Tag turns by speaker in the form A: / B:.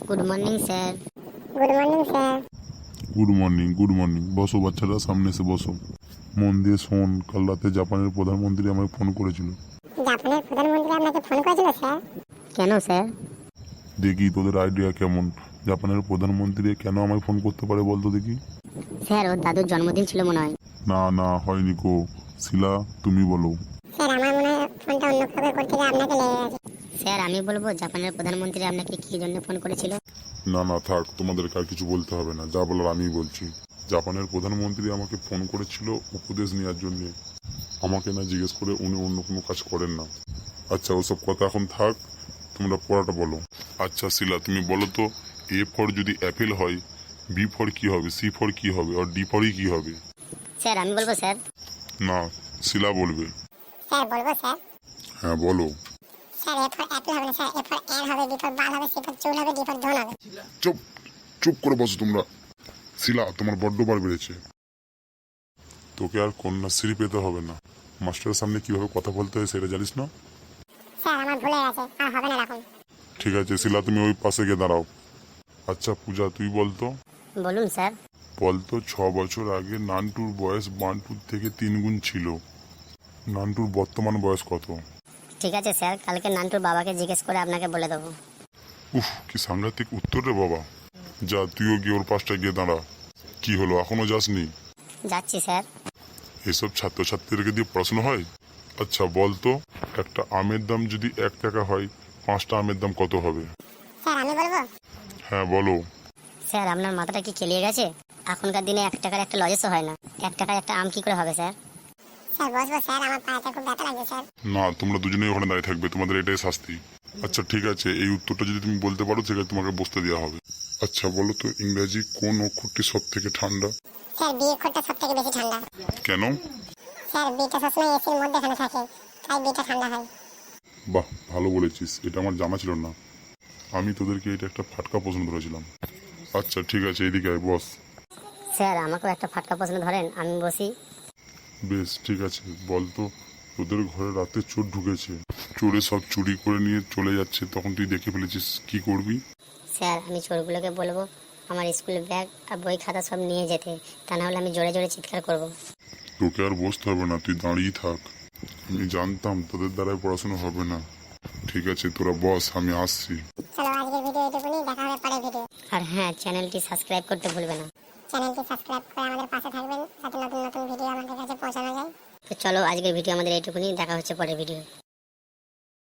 A: Good morning sir.
B: Good morning sir.
C: Good morning. বসো বাচ্চারা, সামনে এসে বসো। মন দিয়ে শোন, কাল রাতে জাপানের প্রধানমন্ত্রী আমায় ফোন করেছিল।
B: জাপানের প্রধানমন্ত্রী আপনাকে ফোন করেছিল স্যার?
A: কেন স্যার?
C: দেখি তোদের আইডিয়া কেমন। জাপানের প্রধানমন্ত্রী কেন আমায় ফোন করতে পারে বলতো দেখি।
A: স্যার, ওর দাদুর জন্মদিন ছিল মনে হয়।
C: না হয়নি কো। শিলা, তুমি বলো।
B: স্যার আমার মনে হয় ফোনটা অন্য কাউকে করতে গিয়ে আপনাকে লেগে গেছে।
A: স্যার, আমি বলবো জাপানের প্রধানমন্ত্রী আপনাকে কি জন্য ফোন করেছিল।
C: না থাক, তোমাদেরকে আর কিছু বলতে হবে না, যা বলার আমিই বলছি। জাপানের প্রধানমন্ত্রী আমাকে ফোন করেছিল উপদেশ নেওয়ার জন্য। আমাকে না জিজ্ঞেস করে উনি অন্য কোনো কাজ করেন না। আচ্ছা, ওসব কথা এখন থাক, তোমরা পড়াটা বলো। আচ্ছা শিলা, তুমি বলো তো, এ ফর যদি অ্যাপেল হয়, বি ফর কি হবে, সি ফর কি হবে, আর ডি ফরই কি হবে?
A: স্যার আমি বলবো স্যার।
C: না, শিলা বলবে।
B: স্যার বলবো স্যার।
C: হ্যাঁ বলো।
B: স্যার এ ফর অ্যাপেল হবে না স্যার, এ ফর এর হবে, বি ফর বাল হবে, সি ফর চুল হবে, ডি ফর ধন হবে।
C: চুপ চুপ করে বসো তোমরা। শিলা, তোমার বড্ড বার বেড়েছে। তোকে আর কন্যাশ্রী পেতে হবে না। মাস্টারের সামনে কিভাবে কথা বলতে হয় সেটা জানিস না?
B: স্যার আমার ভুলে গেছে, আর হবে না এরকম।
C: ঠিক আছে শিলা, তুমি ওই পাশে গিয়ে দাঁড়াও। আচ্ছা পূজা, তুই বলতো।
A: বলুন স্যার।
C: বলতো 6 বছর আগে নান্টুর বয়স বান্টুর থেকে 3 গুণ ছিল। নান্টুর বর্তমান বয়স কত?
A: ঠিক আছে স্যার, কালকে নান্টুর বাবাকে জিজ্ঞেস করে আপনাকে বলে দেবো।
C: উফ, কি সাংঘাতিক উত্তর রে বাবা। যা, তুইও গিয়ে ওর পাশটা গিয়ে দাঁড়া। কি হলো, এখনো যাসনি?
A: যাচ্ছি স্যার।
C: এসব ছাত্রছাত্রীদেরকে দিয়ে পড়াশোনা হয়? আচ্ছা বলতো, একটা আমের দাম যদি 1 টাকা হয়, 5টা আমের দাম কত হবে?
B: স্যার আমি বলবো।
C: হ্যাঁ বলো।
A: স্যার, আপনার মাথাটা কি খেলিয়ে গেছে? এখনকার দিনে 1 টাকার একটা লজেসও হয় না, 1 টাকায় একটা আম কি করে হবে স্যার?
B: স্যার বসবো স্যার, আমার পায়েতে খুব ব্যথা লাগছে স্যার।
C: না, তোমরা দুজনেই ওখানে দাঁড়িয়ে থাকবে, তোমাদের এটাই শাস্তি। আচ্ছা ঠিক আছে, এই উত্তরটা যদি তুমি বলতে পারো সেখানে তোমাকে বসতে দেওয়া হবে। আচ্ছা বলো তো, ইংরাজি কোন অক্ষরটি সব থেকে ঠান্ডা?
B: স্যার বি অক্ষরটা সব থেকে বেশি ঠান্ডা।
C: কেন?
B: স্যার বিটা সবসময় এসির মধ্যে এখানে থাকে, তাই বিটা ঠান্ডা হয়।
C: বাহ, ভালো বলেছিস, এটা আমার জানা ছিল না। আমি তোদেরকে এটা একটা ফাটকা প্রশ্ন ধরেছিলাম। আচ্ছা ঠিক আছে, এদিকে আয়, বস।
A: স্যার, আমাকেও একটা ফাটকা প্রশ্ন ধরেন, আমি বসি।
C: বেশ ঠিক আছে, বলতো, তোদের ঘরে রাতে চোর ঢুকেছে, চোরে সব চুরি করে নিয়ে চলে যাচ্ছে, তখন তুই দেখে ফেলেছিস, কি করবি?
A: স্যার, আমি চোরগুলোকে বলবো আমার স্কুল ব্যাগ আর বই খাতা সব নিয়ে যেতে, তা না হলে আমি জোরে জোরে চিৎকার করব।
C: তোকে আর বসতে হবে না, তুই দাঁড়িয়ে থাক। আমি জানতাম তোদের দ্বারাই পড়াশোনা হবে না। ঠিক আছে, তোরা বস, আমি আসছি।
B: চলো আজকের ভিডিও এটুকুনি, দেখা হবে পরের ভিডিও।
A: আর হ্যাঁ, চ্যানেলটি সাবস্ক্রাইব করতে ভুলবে না।
B: চ্যানেলটি সাবস্ক্রাইব করে আমাদের পাশে থাকবেন, যাতে নতুন নতুন ভিডিও আমাদের কাছে পৌঁছানো যায়।
A: তো চলো, আজকের ভিডিও আমাদের এইটুকুনি, দেখা হচ্ছে পরের ভিডিও।